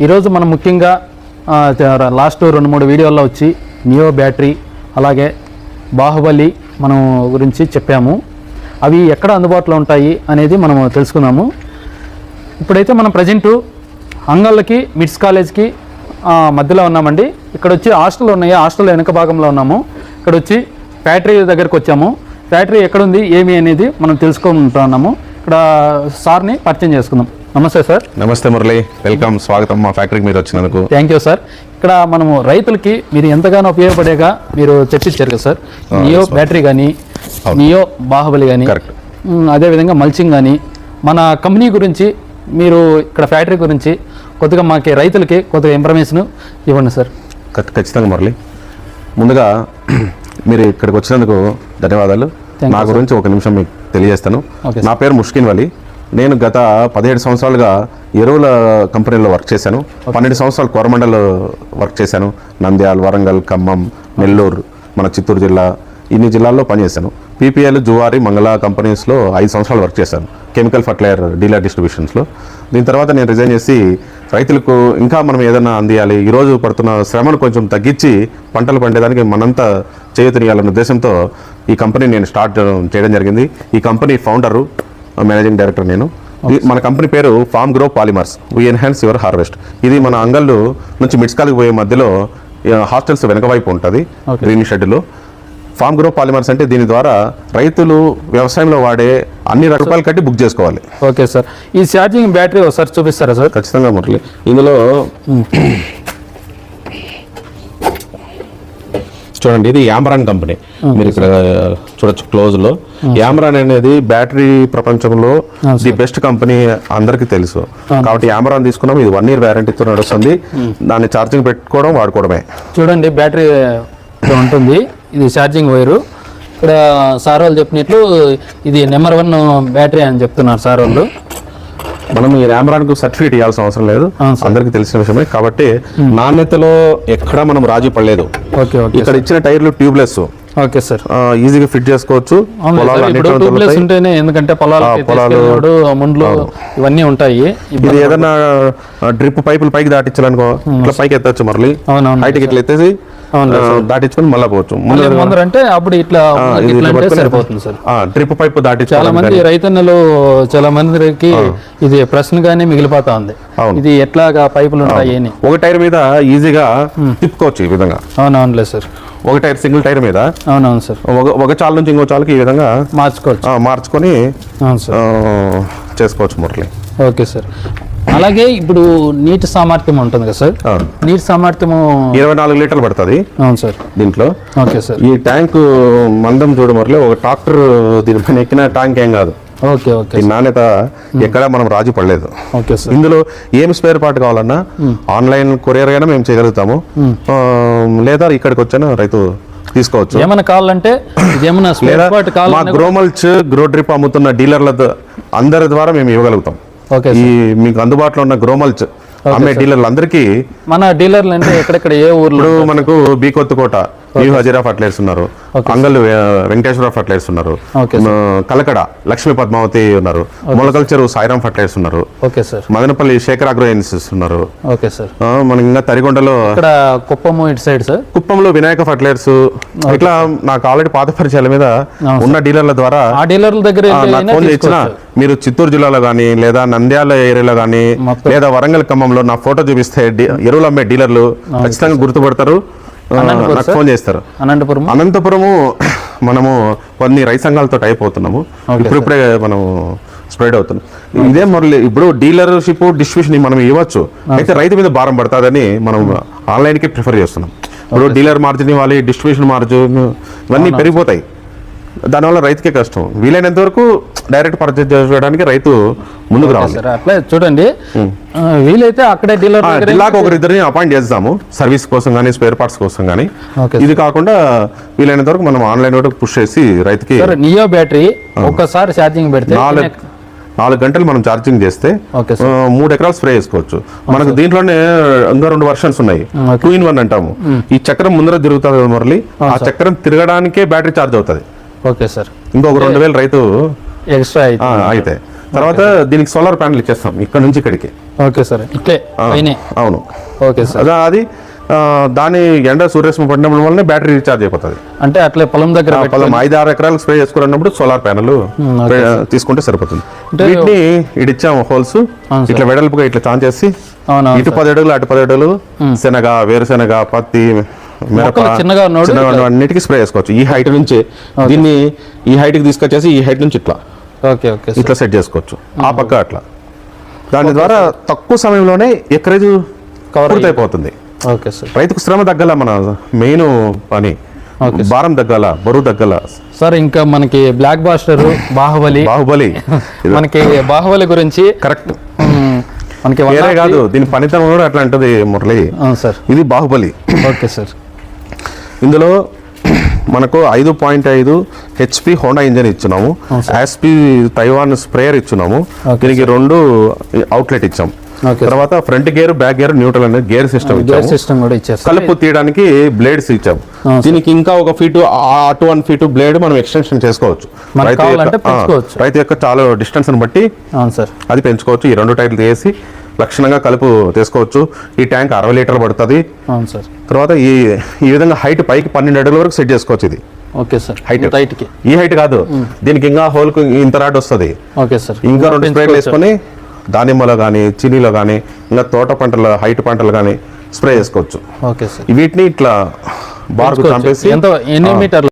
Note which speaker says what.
Speaker 1: ఈరోజు మనం ముఖ్యంగా లాస్ట్ 2-3 వీడియోల్లో వచ్చి నియో బ్యాటరీ అలాగే బాహుబలి మనం గురించి చెప్పాము. అవి ఎక్కడ అందుబాటులో ఉంటాయి అనేది మనం తెలుసుకుందాము. ఇప్పుడైతే మనం ప్రజెంటు అంగళ్ళకి మిడ్స్ కాలేజ్కి మధ్యలో ఉన్నామండి. ఇక్కడ వచ్చి హాస్టల్ ఉన్నాయి, హాస్టల్ వెనక భాగంలో ఉన్నాము. ఇక్కడ వచ్చి ఫ్యాక్టరీ దగ్గరకు వచ్చాము. ఫ్యాక్టరీ ఎక్కడుంది ఏమి అనేది మనం తెలుసుకుంటున్నాము. ఇక్కడ సార్ని పరిచయం చేసుకుందాం. నమస్తే సార్.
Speaker 2: నమస్తే మురళి, వెల్కమ్, స్వాగతం మా ఫ్యాక్టరీకి మీరు వచ్చినందుకు.
Speaker 1: Thank you sir. ఇక్కడ మనము రైతులకి మీరు ఎంతగానో ఉపయోగపడేగా మీరు చర్చించారు కదా సార్. నియో బ్యాటరీ కానీ, నియో బాహుబలి కానీ, అదేవిధంగా మల్చింగ్ కానీ, మన కంపెనీ గురించి మీరు ఇక్కడ ఫ్యాక్టరీ గురించి కొద్దిగా మాకు రైతులకి కొద్దిగా ఇన్ఫర్మేషన్ ఇవ్వండి సార్.
Speaker 2: ఖచ్చితంగా మురళి, ముందుగా మీరు ఇక్కడికి వచ్చినందుకు ధన్యవాదాలు. నా గురించి ఒక నిమిషం మీకు తెలియజేస్తాను. నా పేరు ముష్కిన్ వలి. నేను గత 17 సంవత్సరాలుగా ఎరువుల కంపెనీలో వర్క్ చేశాను. 12 సంవత్సరాలు కోరమండల్లో వర్క్ చేశాను. నంద్యాల, వరంగల్, ఖమ్మం, నెల్లూరు, మన చిత్తూరు జిల్లా, ఇన్ని జిల్లాల్లో పనిచేశాను. పీపీఎల్, జువారి, మంగళ కంపెనీస్లో 5 సంవత్సరాలు వర్క్ చేశాను, కెమికల్ ఫర్టిలైజర్ డీలర్ డిస్ట్రిబ్యూషన్స్లో. దీని తర్వాత నేను రిజైన్ చేసి రైతులకు ఇంకా మనం ఏదైనా అందియాలి, ఈరోజు పడుతున్న శ్రమను కొంచెం తగ్గించి పంటలు పండేదానికి మనంతా చేయూతనియాలన్న ఉద్దేశంతో ఈ కంపెనీ నేను స్టార్ట్ చేయడం జరిగింది. ఈ కంపెనీ ఫౌండరు, మేనేజింగ్ డైరెక్టర్ నేను. మన కంపెనీ పేరు farm grow polymers, we enhance your harvest. ఇది మన అంగళ్ళు నుంచి మిడ్స్కాల్కి పోయే మధ్యలో హాస్టల్స్ వెనక వైపు ఉంటుంది గ్రీన్ షెడ్లో. ఫార్మ్ గ్రో పాలిమర్స్ అంటే దీని ద్వారా రైతులు వ్యవసాయంలో వాడే అన్ని రూపాయలు కట్టి బుక్ చేసుకోవాలి.
Speaker 1: Okay sir. ఈ ఛార్జింగ్ బ్యాటరీ ఒకసారి చూపిస్తారా సార్?
Speaker 2: ఖచ్చితంగా మురళి. ఇందులో చూడండి, ఇది యామ్రాన్ కంపెనీ. మీరు ఇక్కడ చూడొచ్చు క్లోజ్ లో. యామ్రాన్ అనేది బ్యాటరీ ప్రపంచంలో ది బెస్ట్ కంపెనీ అందరికి తెలుసు. కాబట్టి యామ్రాన్ తీసుకున్నాం. ఇది 1 year వ్యారంటీతో నడుస్తుంది. దాన్ని ఛార్జింగ్ పెట్టుకోవడం, వాడుకోవడమే.
Speaker 1: చూడండి, బ్యాటరీ ఉంటుంది. ఇది ఛార్జింగ్ వైరు. ఇక్కడ సార్ వాళ్ళు చెప్పినట్లు ఇది నెంబర్ 1 బ్యాటరీ అని చెప్తున్నారు సార్ వాళ్ళు.
Speaker 2: మనం ఈ యామ్రాన్కు సర్టిఫికేట్ ఇవ్వాల్సిన అవసరం లేదు, అందరికి తెలిసిన విషయమే. కాబట్టి నాణ్యతలో ఎక్కడా మనం రాజీ పడలేదు. ఇక్కడ ఇచ్చిన టైర్లు ట్యూబ్లెస్.
Speaker 1: Okay sir.
Speaker 2: ఈజీగా ఫిట్ చేసుకోవచ్చు.
Speaker 1: ఎందుకంటే పొలాలు ముండ్లు ఇవన్నీ ఉంటాయి.
Speaker 2: ఇది ఏదైనా డ్రిప్ పైపులు పైకి దాటించాలనుకో ఇట్లా పైకి ఎత్తచ్చు. మరలి హైట్కి ఇట్లా ఎత్తేసి దాటించుకొని మళ్ళీ పోవచ్చు.
Speaker 1: అంటే అప్పుడు ఇట్లా సరిపోతుంది సార్.
Speaker 2: డ్రిప్ పైపు దాటి
Speaker 1: చాలా మంది రైతన్నలు, చాలా మందికి ఇది ప్రశ్నగానే మిగిలిపోతా ఉంది. ఇది ఎట్లాగా పైపులు ఉంటాయి అని.
Speaker 2: ఒక టైర్ మీద ఈజీగా తిప్పుకోవచ్చు ఈ విధంగా.
Speaker 1: అవునవునులే సార్.
Speaker 2: ఒక టైర్ సింగిల్ టైర్ మీద.
Speaker 1: అవునవును సార్.
Speaker 2: ఒక చాలు నుంచి ఇంకో చాలుకి ఈ విధంగా మార్చుకొని చేసుకోవచ్చు మురళి.
Speaker 1: Okay sir. అలాగే ఇప్పుడు నీటి సామర్థ్యం ఉంటుంది కదా సార్. నీటి సామర్థ్యం
Speaker 2: 24 లీటర్లు పడుతుంది.
Speaker 1: అవును సార్.
Speaker 2: దీంట్లో
Speaker 1: ఓకే సార్.
Speaker 2: ఈ ట్యాంక్ మందం చూడ మురళి, ఒక ట్రాక్టర్ దీనిపైన ఎక్కిన ట్యాంక్ ఏం కాదు.
Speaker 1: Okay okay.
Speaker 2: ఈ నాణ్యత ఎక్కడా మనం రాజీ పడలేదు.
Speaker 1: Okay sir.
Speaker 2: ఇందులో ఏం స్పేర్ పార్ట్ కావాలన్నా ఆన్లైన్ కొరియర్ అయినా మేము చేయగలుగుతాము, లేదా ఇక్కడికి వచ్చాను రైతు తీసుకోవచ్చు.
Speaker 1: ఏమైనా కావాలంటే
Speaker 2: మా గ్రోమల్చ్, గ్రో డ్రిప్ అమ్ముతున్న డీలర్ల అందరి ద్వారా మేము ఇవ్వగలుగుతాం. ఈ మీకు అందుబాటులో ఉన్న గ్రోమల్చ్ అమ్మే డీలర్లు అందరికీ.
Speaker 1: మన డీలర్లు అంటే ఎక్కడెక్కడ ఏ ఊర్లో?
Speaker 2: మనకు B Kothakota new Hazira fertilizers ఉన్నారు, అంగల్ వెంకటేశ్వర ఫర్టిలైజర్స్ ఉన్నారు, కలకడ లక్ష్మీ పద్మావతి ఉన్నారు, మొలకల్ చెరువు సాయిరామ్ ఫర్టిలైజర్స్ ఉన్నారు, మదనపల్లి శేఖర్ అగ్రో ఏజెన్సీస్ ఉన్నారు. మనకి ఇంకా తరిగొండలో,
Speaker 1: కుప్పము ఇటు సైడ్ సార్,
Speaker 2: కుప్పంలో వినాయక ఫర్టిలైజర్స్. ఇట్లా నాకు ఆల్రెడీ పాత పరిచయాల మీద ఉన్న డీలర్ల ద్వారా
Speaker 1: ఆ డీలర్ల దగ్గర
Speaker 2: ఫోన్ చేసిన మీరు చిత్తూరు జిల్లాలో కానీ, లేదా నంద్యాల ఏరియాలో కానీ, లేదా వరంగల్ ఖమ్మంలో నా ఫోటో చూపిస్తే ఎరువులు అమ్మే డీలర్లు ఖచ్చితంగా గుర్తుపడతారు, నాకు ఫోన్ చేస్తారు. అనంతపురము మనము కొన్ని రైతు సంఘాలతో టైప్ అవుతున్నాము. ఇప్పుడిప్పుడే మనం స్ప్రెడ్ అవుతున్నాం. ఇదే మురళి, ఇప్పుడు డీలర్షిప్ డిస్ట్రిబ్యూషన్ మనం ఇవ్వచ్చు, అయితే రైతు మీద భారం పడుతుందని మనం ఆన్లైన్కి ప్రిఫర్ చేస్తున్నాం. ఇప్పుడు డీలర్ మార్జిన్ ఇవ్వాలి, డిస్ట్రిబ్యూషన్ మార్జిన్ ఇవన్నీ పెరిగిపోతాయి. దానివల్ల రైతుకే కష్టం. వీలైనంత వరకు డైరెక్ట్ పర్చేజ్ చేయడానికి రైతు ముందుకు రావాలి.
Speaker 1: అట్లా చూడండి, వీలైతే అక్కడే
Speaker 2: జిల్లాకు ఒకరిద్దరిని అపాయింట్ చేస్తాము సర్వీస్ కోసం కానీ, స్పేర్ పార్ట్స్ కోసం కానీ. ఇది కాకుండా వీలైనంత వరకు మనం ఆన్లైన్ వరకు పుష్ చేసి రైతుకి.
Speaker 1: నియో బ్యాటరీ ఒక్కసారి ఛార్జింగ్ పెడితే
Speaker 2: 4 గంటలు మనం ఛార్జింగ్ చేస్తే 3 ఎకరాలు స్ప్రే చేసుకోవచ్చు. మనకు దీంట్లోనే ఇంకా 2 వర్షన్స్ ఉన్నాయి, 2-in-1 అంటాము. ఈ చక్రం ముందర తిరుగుతుంది మురళి, ఆ చక్రం తిరగడానికే బ్యాటరీ ఛార్జ్ అవుతుంది.
Speaker 1: Okay sir.
Speaker 2: ఇంకొక 2000 రైతు
Speaker 1: ఎక్స్ట్రా
Speaker 2: అయితే తర్వాత దీనికి సోలార్ ప్యానల్ ఇచ్చేస్తాం ఇక్కడ నుంచి ఇక్కడికి.
Speaker 1: ఓకే సార్, ఇట్లే పైనే.
Speaker 2: అవును.
Speaker 1: Okay sir.
Speaker 2: అది దాని ఎండ సూర్యరశ్మి పడినప్పుడు వల్లనే బ్యాటరీ రీఛార్జ్ అయిపోతుంది.
Speaker 1: అంటే అట్లే పొలం దగ్గర
Speaker 2: పొలం 5-6 ఎకరాలకు స్ప్రే చేసుకోవాలన్నప్పుడు సోలార్ ప్యానల్ తీసుకుంటే సరిపోతుంది. వీటిని ఇడిచ్చాము హోల్స్, ఇట్లా వెడల్పుగా ఇట్లా చాన్ చేసి ఇటు 10 అడుగులు అటు 10 అడుగులు శనగ, వేరుశెనగ, పత్తి, మిరప
Speaker 1: చిన్నగా
Speaker 2: అన్నిటికీ స్ప్రే చేసుకోవచ్చు. ఈ హైట్ నుంచి దీన్ని ఈ హైట్ కి తీసుకొచ్చేసి ఈ హైట్ నుంచి ఇట్లా ఇట్లా సెట్ చేసుకోవచ్చు. ఆ పక్క అట్లా. దాని ద్వారా తక్కువ సమయంలోనే ఎకరేజ్ పూర్తయిపోతుంది.
Speaker 1: Okay sir.
Speaker 2: రైతుకు శ్రమ తగ్గల, మన మెయిన్ పని భారం తగ్గాల, బరువు తగ్గల
Speaker 1: సార్. ఇంకా మనకి బ్లాక్ బాస్టర్, బాహుబలి మనకి బాహుబలి గురించి
Speaker 2: కరెక్ట్
Speaker 1: మనకి
Speaker 2: వేరే కాదు, దీని పనితనం కూడా అట్లా ఉంటుంది మురళి.
Speaker 1: సార్
Speaker 2: ఇది బాహుబలి.
Speaker 1: Okay sir.
Speaker 2: ఇందులో మనకు 5.5 HP హోండా ఇంజన్ ఇచ్చున్నాము, యాస్పీ తైవాన్ స్ప్రేయర్ ఇచ్చున్నాము, దీనికి 2 అవుట్లెట్ ఇచ్చాం. తర్వాత front gear, back gear, neutral అనే గేర్ సిస్టమ్
Speaker 1: కూడా ఇచ్చారు.
Speaker 2: కలుపు తీయడానికి బ్లేడ్స్ ఇచ్చాం. దీనికి ఇంకా 1 ఫీట్ అటు 1 ఫీట్ బ్లేడ్ మనం ఎక్స్టెన్షన్ చేసుకోవచ్చు. రైతు యొక్క చాలా డిస్టెన్స్ బట్టి అది పెంచుకోవచ్చు. ఈ 2 టైర్లు తీసి లక్షణంగా కలుపు తీసుకోవచ్చు. ఈ ట్యాంక్ 60 లీటర్లు పడుతుంది. తర్వాత ఈ విధంగా హైట్ పైకి 12 అడుగుల వరకు సెట్ చేసుకోవచ్చు. ఇది
Speaker 1: ఓకే సార్.
Speaker 2: హైట్ ఈ హైట్ కాదు, దీనికి ఇంకా హోల్ ఇంత రాడ్ వస్తుంది.
Speaker 1: Okay sir.
Speaker 2: ఇంకా 2 స్ప్రేలు వేసుకొని దానిమ్మలో కానీ, చిలీలో కానీ, ఇంకా తోట పంటల హైట్ పంటలు కానీ స్ప్రే చేసుకోవచ్చు.
Speaker 1: Okay sir.
Speaker 2: వీటిని ఇట్లా బార్కు చంపేసి
Speaker 1: ఎన్ని మీటర్లు